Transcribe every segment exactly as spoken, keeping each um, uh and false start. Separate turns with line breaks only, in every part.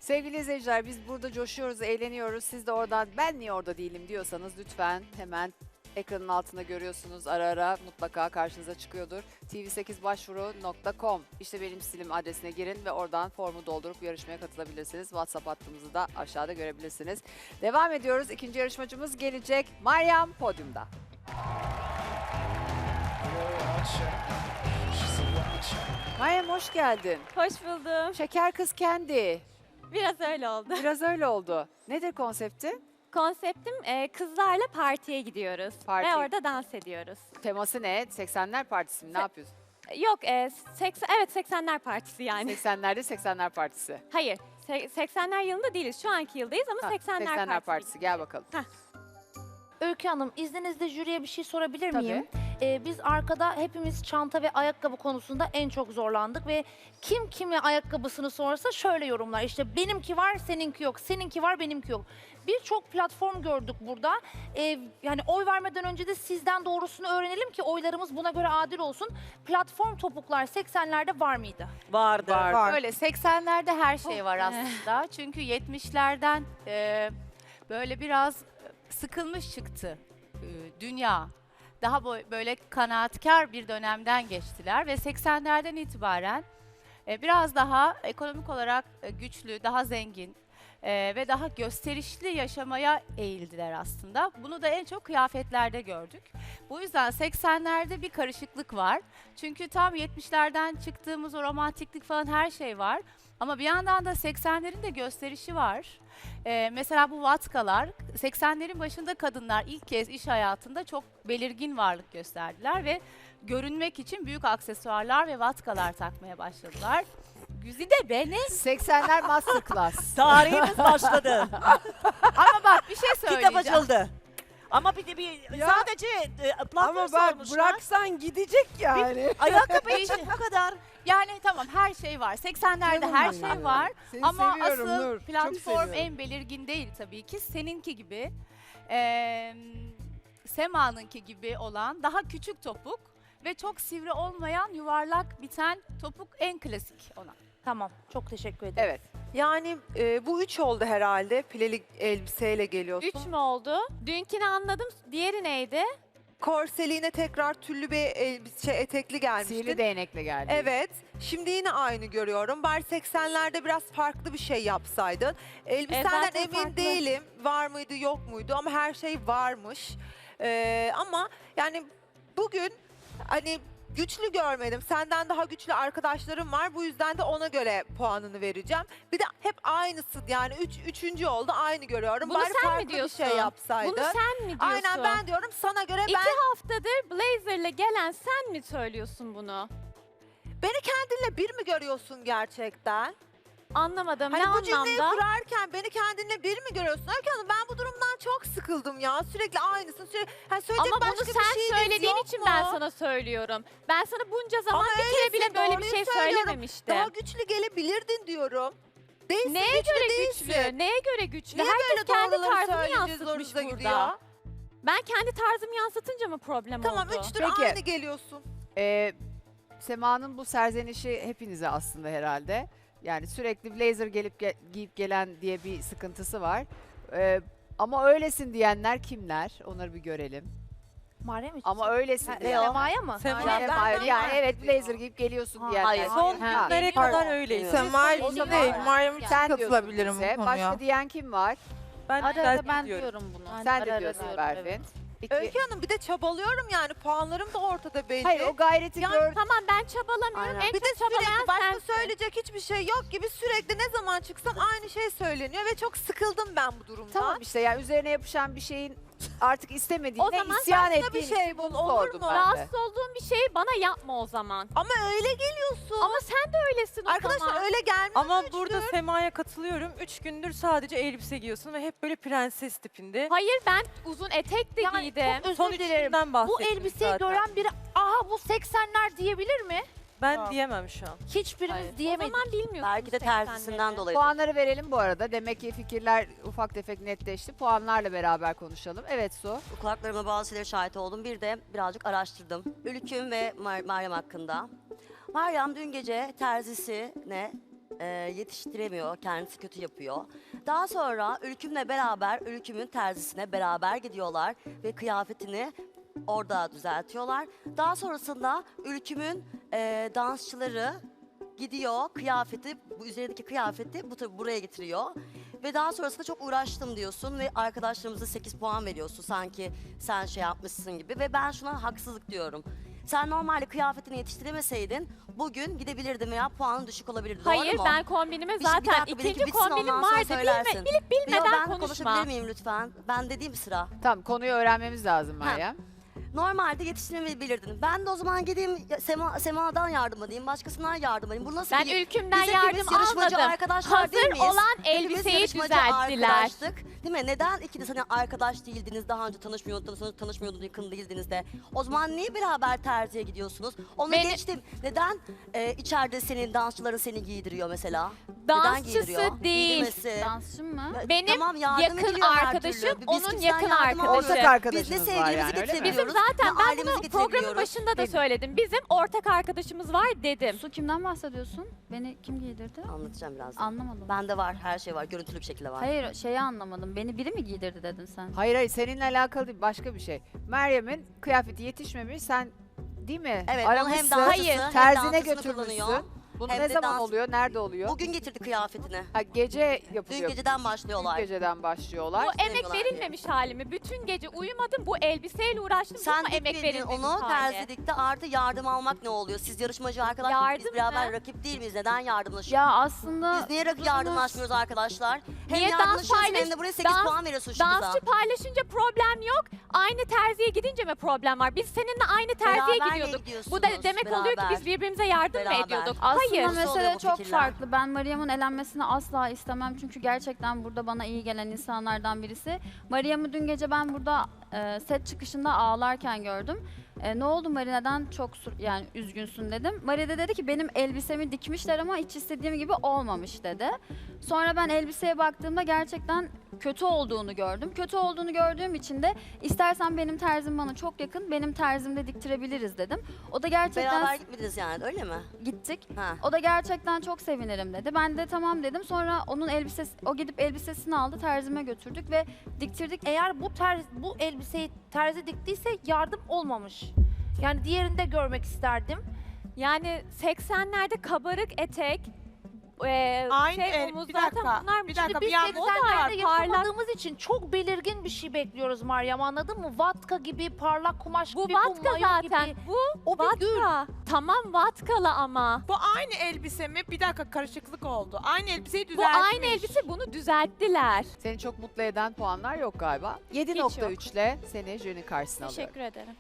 Sevgili izleyiciler biz burada coşuyoruz, eğleniyoruz. Siz de oradan ben niye orada değilim diyorsanız lütfen hemen ekranın altında görüyorsunuz. Ara ara mutlaka karşınıza çıkıyordur. t v sekiz başvuru nokta com işte benim stilim adresine girin ve oradan formu doldurup yarışmaya katılabilirsiniz. WhatsApp hattımızı da aşağıda görebilirsiniz. Devam ediyoruz. İkinci yarışmacımız gelecek. Meryem podyumda. Meryem hoş geldin.
Hoş buldum.
Şeker kız kendi.
Biraz öyle oldu.
Biraz öyle oldu. Nedir konsepti?
Konseptim e, kızlarla partiye gidiyoruz.
Parti.
Ve orada dans ediyoruz.
Teması ne? seksenler partisi mi? Ne
Se-
yapıyorsun?
E, Yok, e, seksen, evet seksenler partisi yani.
seksenlerde seksenler partisi.
Hayır, se- seksenler yılında değiliz. Şu anki yıldayız ama
Ha,
seksenler,
seksenler
partisi.
partisi. Gel bakalım.
Öykü Hanım, izninizle jüriye bir şey sorabilir
Tabii.
miyim? Ee, biz arkada hepimiz çanta ve ayakkabı konusunda en çok zorlandık ve kim kime ayakkabısını sorsa şöyle yorumlar. İşte benimki var, seninki yok, seninki var, benimki yok. Birçok platform gördük burada. Ee, yani oy vermeden önce de sizden doğrusunu öğrenelim ki oylarımız buna göre adil olsun. Platform topuklar seksenlerde var mıydı?
Vardı.
Var.
Öyle seksenlerde her şey
Oh.
var aslında. Çünkü yetmişlerden e, böyle biraz sıkılmış çıktı e, dünya. Daha bo- böyle kanaatkar bir dönemden geçtiler ve seksenlerden itibaren e, biraz daha ekonomik olarak e, güçlü, daha zengin e, ve daha gösterişli yaşamaya eğildiler aslında. Bunu da en çok kıyafetlerde gördük. Bu yüzden seksenlerde bir karışıklık var. Çünkü tam yetmişlerden çıktığımız o romantiklik falan her şey var. Ama bir yandan da seksenlerin de gösterişi var. Ee, mesela bu vatkalar, seksenlerin başında kadınlar ilk kez iş hayatında çok belirgin varlık gösterdiler ve görünmek için büyük aksesuarlar ve vatkalar takmaya başladılar. Güzide beni.
seksenler masterclass.
Tarihimiz başladı.
Ama bak bir şey
Kitap
söyleyeceğim.
açıldı. Ama bir de bir
Ya,
sadece e, platform
Ama bak
sormuşlar.
bıraksan gidecek yani.
Ayakkabı için bu kadar.
Yani tamam her şey var. seksenlerde
Canım
her
benim
şey
ya.
var.
Seni
Ama
seviyorum
asıl
Nur. Çok
platform
seviyorum.
en belirgin değil tabii ki. Seninki gibi, eee Sema'nınki gibi olan daha küçük topuk ve çok sivri olmayan yuvarlak biten topuk en klasik ona.
Tamam, çok teşekkür ederim.
Evet.
Yani e, bu üç oldu herhalde. Pileli elbiseyle geliyorsun.
Üç mü oldu? Dünkini anladım. Diğeri neydi?
Korseliğine tekrar tüllü bir elbise, şey, etekli gelmiştin.
Sihirli değnekle geldi.
Evet. Şimdi yine aynı görüyorum. Bari seksenlerde biraz farklı bir şey yapsaydın. Elbisenden
zaten
emin
farklı.
değilim. Var mıydı yok muydu ama her şey varmış. Ee, ama yani bugün hani güçlü görmedim. Senden daha güçlü arkadaşlarım var. Bu yüzden de ona göre puanını vereceğim. Bir de hep aynısı yani üç, üçüncü oldu aynı görüyorum.
Bunu
Bari
sen mi
farklı
diyorsun?
bir şey yapsaydın.
Bunu sen mi diyorsun?
Aynen ben diyorum sana göre
İki
ben
haftadır blazerle gelen sen mi söylüyorsun bunu?
beni kendinle bir mi görüyorsun gerçekten?
Anlamadım.
Hani
ne
bu cümleyi
anlamda?
kurarken beni kendinle bir mi görüyorsun? Öykü Hanım ben bu durumdan çok sıkıldım ya. Sürekli aynısın. Sürekli, hani söyleyecek
Ama
başka
bunu
bir
sen
şeyiniz
söylediğin
yok
için
mu?
ben sana söylüyorum. Ben sana bunca zaman
Ama
bir kere
öylesin,
bile böyle bir
doğruyu
şey
söylüyorum.
söylememiştim.
Daha güçlü gelebilirdin diyorum. Değilsin,
Neye
güçlü
göre
değilsin.
güçlü? Neye göre güçlü?
Niye
Herkes
böyle
kendi
doğruları
tarzını
söyleyeceğiz,
yansıtmış
zorunuza
burada.
gidiyor?
Ben kendi tarzımı yansıtınca mı problem
Tamam
oldu?
üçtür
Peki.
aynı geliyorsun.
Ee, Sema'nın bu serzenişi hepinize aslında herhalde. Yani sürekli blazer gelip ge- giyip gelen diye bir sıkıntısı var. Ee, ama öylesin diyenler kimler? Onları bir görelim.
Meryem için.
Ama öylesin
Ha,
diyen.
Sema'ya mı?
Yani,
Ben-
Sema'ya-
ben-
yani evet blazer giyip geliyorsun
Ha,
diyenler.
hayır.
Son
Ha.
günlere kadar öyleyiz.
Semal
O
için
zaman-
değil, Meryem için
Sen diyorsun
katılabilirim
bize.
bu konuya.
Başka diyen kim var?
Ben
Ara
güzel
ara ben
diyorum.
diyorum bunu.
Sen de diyorsun Berfin. İki-
Öykü Hanım bir de çabalıyorum yani puanlarım da ortada belli.
Hayır o gayreti
Yani
gör.
Tamam ben çabalamıyorum.
Aynen.
En
bir de
çok çabalayan
sürekli başka
sensin.
söyleyecek hiçbir şey yok gibi sürekli ne zaman çıksam aynı şey söyleniyor ve çok sıkıldım ben bu durumdan.
Tamam işte yani üzerine yapışan bir şeyin artık istemediğine
O zaman
isyan
başka bir
ettiğin
şey
için
bul,
bunu
olur
sordum
mu?
ben de.
Rahatsız olduğun bir şeyi bana yapma o zaman.
Ama öyle geliyorsun.
Ama sen de öylesin o
Arkadaşlar
zaman.
öyle gelmiyor.
Ama burada Sema'ya katılıyorum. Üç gündür sadece elbise giyiyorsun ve hep böyle prenses tipinde.
Hayır ben uzun etek de
Yani
giydim.
çok özür
Son üç
dilerim.
günden
Bu
bahsettim
elbiseyi
zaten.
gören biri aha bu seksenler diyebilir mi?
Ben diyemem şu an.
Hiçbirimiz
O
diyemedik.
zaman bilmiyorsun.
Belki de tersisinden dolayı.
Puanları verelim bu arada. Demek ki fikirler ufak tefek netleşti. Puanlarla beraber konuşalım. Evet Su.
Kulaklarıma bazı şeylere şahit oldum. Bir de birazcık araştırdım. Ülküm ve Mar- Meryem hakkında. Meryem dün gece terzisine e, yetiştiremiyor, kendisi kötü yapıyor. Daha sonra Ülküm'le beraber, Ülküm'ün terzisine beraber gidiyorlar ve kıyafetini orada düzeltiyorlar. Daha sonrasında Ülküm'ün e, dansçıları gidiyor, kıyafeti, bu üzerindeki kıyafeti bu tabii buraya getiriyor. Ve daha sonrasında çok uğraştım diyorsun ve arkadaşlarımıza sekiz puan veriyorsun sanki sen şey yapmışsın gibi. Ve ben şuna haksızlık diyorum. Sen normalde kıyafetini yetiştiremeseydin bugün gidebilirdin veya puanın düşük olabilirdi.
Hayır
Doğru mu?
ben kombinime
Bir şey- bir
zaten
dakika, benimki
ikinci
bitsin,
kombinim
ondan sonra
vardı.
söylersin.
Bilme, bilip
Yo,
bilmeden
ben
konuşma.
konuşabilir miyim lütfen? Ben dediğim sıra.
Tamam, konuyu öğrenmemiz lazım Meryem.
Normalde yetiştiremeyebilirdin. Ben de o zaman gideyim ya- Sema, Sema'dan yardım edeyim, başkasından yardım edeyim. Bu nasıl
Ben
bir...
Ülküm'den
Biz hepimiz
yardım
yarışmacı
almadım.
arkadaşlar değil
Hazır
miyiz?
olan
Hepimiz
elbiseyi
yarışmacı
düzelttiler.
arkadaştık. Değil mi? Neden ikiniz hani arkadaş değildiniz, daha önce tanışmıyordunuz, tanışmıyordunuz, yakın değildiniz de. O zaman niye beraber terziye gidiyorsunuz? Onu
Beni-
geçtim. Neden e, içeride senin dansçıların seni giydiriyor mesela? Neden
Dansçısı
giydiriyor?
değil.
Giydirmesi.
Dansçı mı?
Ya,
Benim
tamam, yardım
yakın
ediliyor her
arkadaşım,
türlü. Biz
onun
kimseden
yakın
yardım
arkadaşı.
almıyoruz.
Ortak
Biz ne
arkadaşınız var
sevgilimizi
yani, öyle mi?
getirebiliyoruz.
Bizim zaten
ne
ben
ailemizi
bunu programın
getirebiliyoruz.
başında da
Değil mi?
söyledim. Bizim ortak arkadaşımız var dedim.
Su kimden bahsediyorsun? Beni kim giydirdi?
Anlatacağım birazdan.
Anlamadım.
Bende var, her şey var. Görüntülü bir şekilde var.
Hayır şeyi anlamadım. Beni biri mi giydirdi dedin sen?
Hayır hayır, seninle alakalı değil, başka bir şey. Meryem'in kıyafeti yetişmemiş, sen değil mi?
Evet, onu hem
Aramışsın,
dansçısı hem
terzine
dansçısını
götürmüşsün.
kullanıyor.
Bunu
Hem
ne
de
zaman
dans-
oluyor, nerede oluyor?
Bugün getirdi kıyafetini.
Ha, gece
Dün
yapılıyor.
geceden
Dün
başlıyorlar.
geceden başlıyorlar.
Bu emek
Demiyorlar
verilmemiş halimi. Bütün gece uyumadım. Bu elbiseyle uğraştım.
Sen
Ama emek
dikmedin
verilmemiş
onu,
hali.
terzi dikti. Artı yardım almak ne oluyor? Siz yarışmacı arkadaşlar, biz
Yardım
beraber
mı?
rakip değil miyiz? Neden yardımlaşıyoruz?
Ya aslında
Biz niye rakip
uzunuz-
yardımlaşmıyoruz arkadaşlar? Hem
Niye dans
yardımlaşıyorsun
paylaş-
hem de buraya sekiz
dans-
puan veriyorsun şimdi bize.
Dansçı paylaşınca problem yok. Aynı terziye gidince mi problem var? Biz seninle aynı terziye
Beraber
gidiyorduk.
gidiyorsunuz,
Bu da demek oluyor ki
beraber.
biz birbirimize yardım
Beraber.
mı ediyorduk?
Aslında
Hayır.
Nasıl oluyor
mesele
bu
çok
fikirler?
farklı. Ben Meryem'in elenmesini asla istemem. Çünkü gerçekten burada bana iyi gelen insanlardan birisi. Meryem'i dün gece ben burada e, set çıkışında ağlarken gördüm. E, ne oldu Mari, neden çok sur- yani üzgünsün dedim. Mari de dedi ki benim elbisemi dikmişler ama hiç istediğim gibi olmamış dedi. Sonra ben elbiseye baktığımda gerçekten kötü olduğunu gördüm. Kötü olduğunu gördüğüm için de istersen benim terzim bana çok yakın, benim terzimde diktirebiliriz dedim. O da gerçekten
Beraber gitmediniz yani, öyle mi?
gittik.
Ha.
O da gerçekten çok sevinirim dedi. Ben de tamam dedim. Sonra onun elbisesi, o gidip elbisesini aldı, terzime götürdük ve diktirdik.
Eğer bu terz, bu elbiseyi terzi diktiyse yardım olmamış. Yani diğerini de görmek isterdim.
Yani seksenlerde kabarık etek, e,
Aynı
şey
el-
omuz
bir
zaten
dakika,
bunlar
bir dakika,
Biz
bir yan-
seksenlerde
parlak.
yaşamadığımız için çok belirgin bir şey bekliyoruz Meryem, anladın mı? Vatka gibi, parlak kumaş
bu
gibi,
vatka
mayo
zaten.
gibi.
Bu
O bir gül.
vatka. Tamam vatkalı ama.
Bu aynı elbise mi? Bir dakika, karışıklık oldu. Aynı elbiseyi
Bu
düzeltmiş.
aynı elbise, bunu düzelttiler.
Seni çok mutlu eden puanlar yok galiba. yedi nokta üç ile seni jürinin karşısına alıyorum.
Teşekkür ederim.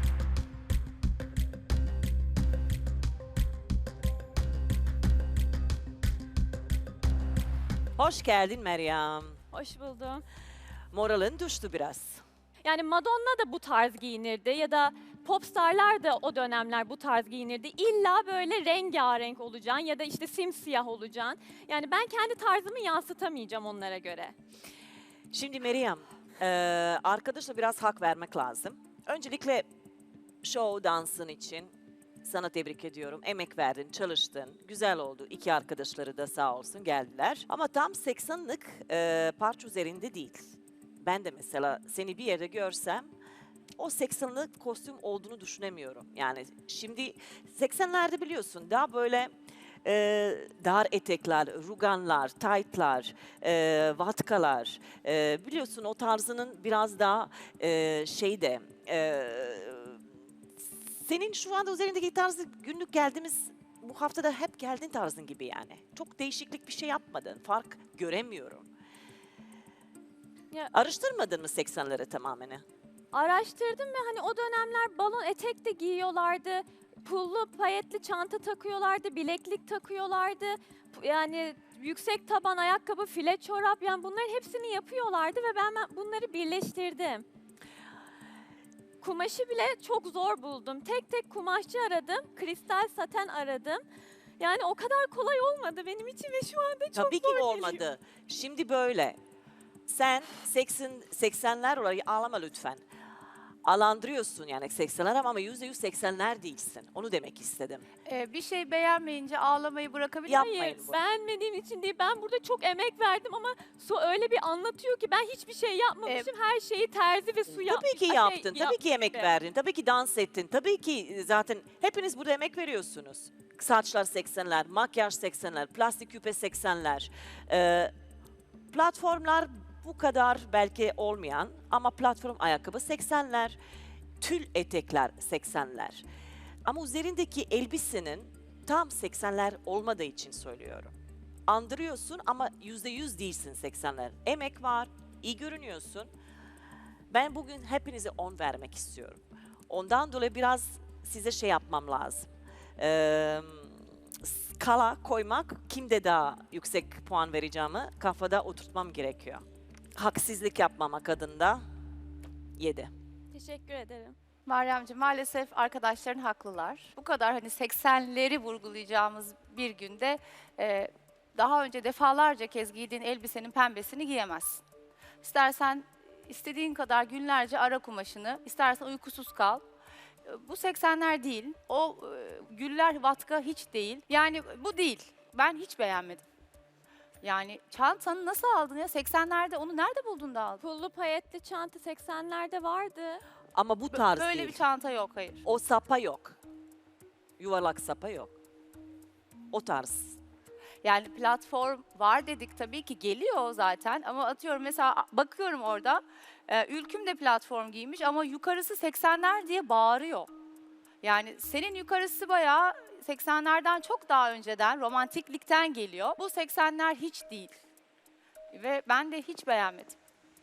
Hoş geldin Meryem.
Hoş buldum.
Moralin düştü biraz.
Yani Madonna da bu tarz giyinirdi ya da popstarlar da o dönemler bu tarz giyinirdi. İlla böyle rengarenk olacaksın ya da işte simsiyah olacaksın. Yani ben kendi tarzımı yansıtamayacağım onlara göre.
Şimdi Meryem, e, arkadaşa biraz hak vermek lazım. Öncelikle show dansın için sana tebrik ediyorum. Emek verdin, çalıştın. Güzel oldu. İki arkadaşları da sağ olsun geldiler. Ama tam seksenlik e, parça üzerinde değil. Ben de mesela seni bir yerde görsem o seksenlik kostüm olduğunu düşünemiyorum. Yani şimdi seksenlerde biliyorsun daha böyle e, dar etekler, ruganlar, taytlar, e, vatkalar. E, biliyorsun o tarzının biraz daha e, şeyde... E, senin şu anda üzerindeki tarzı günlük geldiğimiz bu haftada hep geldiğin tarzın gibi yani. Çok değişiklik bir şey yapmadın. Fark göremiyorum.
Ya-
Araştırmadın mı seksenleri tamamen?
Araştırdım ve hani o dönemler balon etek de giyiyorlardı. Pullu payetli çanta takıyorlardı, bileklik takıyorlardı. P- Yani yüksek taban ayakkabı, file çorap, yani bunların hepsini yapıyorlardı ve ben ben bunları birleştirdim. Kumaşı bile çok zor buldum. Tek tek kumaşçı aradım, kristal saten aradım. Yani o kadar kolay olmadı benim için ve şu anda çok
Tabii ki
zor
olmadı.
geliyor.
Şimdi böyle. Sen seksen seksenler olarak ağlama lütfen. alandırıyorsun yani seksenler ama yüzde yüz seksenler değilsin. Onu demek istedim.
Ee, bir şey beğenmeyince ağlamayı bırakabilir miyim?
Yapmayın
Hayır,
bunu.
beğenmediğim için değil. Ben burada çok emek verdim ama Su öyle bir anlatıyor ki ben hiçbir şey yapmamışım. Her şeyi terzi ve Su yapmış.
Tabii ki
Ay,
yaptın,
şey
tabii ki emek
yapmış.
verdin, tabii ki dans ettin, tabii ki zaten hepiniz burada emek veriyorsunuz. Saçlar seksenler, makyaj seksenler, plastik küpe seksenler. Ee, platformlar bu kadar belki olmayan ama platform ayakkabı seksenler, tül etekler seksenler. Ama üzerindeki elbisenin tam seksenler olmadığı için söylüyorum. Andırıyorsun ama yüzde yüz değilsin seksenler. Emek var, iyi görünüyorsun. Ben bugün hepinize on vermek istiyorum. Ondan dolayı biraz size şey yapmam lazım. Ee, skala koymak, kimde daha yüksek puan vereceğimi kafada oturtmam gerekiyor. Haksızlık yapmamak adında yedi.
Teşekkür ederim.
Meryemciğim maalesef arkadaşların haklılar. Bu kadar hani seksenleri vurgulayacağımız bir günde e, daha önce defalarca kez giydiğin elbisenin pembesini giyemezsin. İstersen istediğin kadar günlerce ara kumaşını, istersen uykusuz kal. E, Bu seksenler değil, o e, güller vatka hiç değil. Yani bu değil, ben hiç beğenmedim. Yani çantanı nasıl aldın ya? seksenlerde onu nerede buldun da aldın?
Pullu payetli çanta seksenlerde vardı.
Ama bu
Bö-
tarz
Böyle
değil.
bir çanta yok, hayır.
O sapa yok. Yuvarlak sapa yok. O tarz.
Yani platform var dedik, tabii ki geliyor zaten ama atıyorum mesela bakıyorum orada e, Ülküm de platform giymiş ama yukarısı seksenler diye bağırıyor. Yani senin yukarısı bayağı seksenlerden çok daha önceden romantiklikten geliyor. Bu seksenler hiç değil. Ve ben de hiç beğenmedim.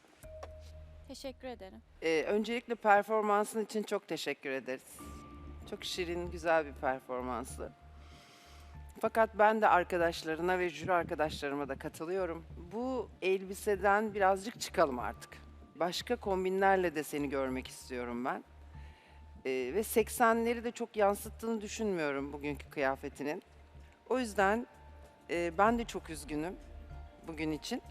Teşekkür ederim.
Ee, öncelikle performansın için çok teşekkür ederiz. Çok şirin, güzel bir performansı. Fakat ben de arkadaşlarına ve jüri arkadaşlarıma da katılıyorum. Bu elbiseden birazcık çıkalım artık. Başka kombinlerle de seni görmek istiyorum ben. Ee, ve seksenleri de çok yansıttığını düşünmüyorum bugünkü kıyafetinin. O yüzden e, ben de çok üzgünüm bugün için.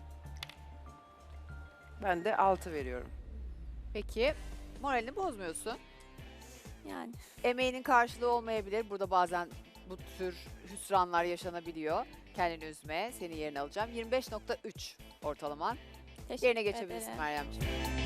Ben de altı veriyorum.
Peki moralini bozmuyorsun.
Yani
Emeğinin karşılığı olmayabilir. Burada bazen bu tür hüsranlar yaşanabiliyor. Kendini üzme. Seni yerine alacağım. yirmi beş nokta üç ortalaman.
teşekkür
Yerine geçebilirsin
ederim.
Meryemciğim.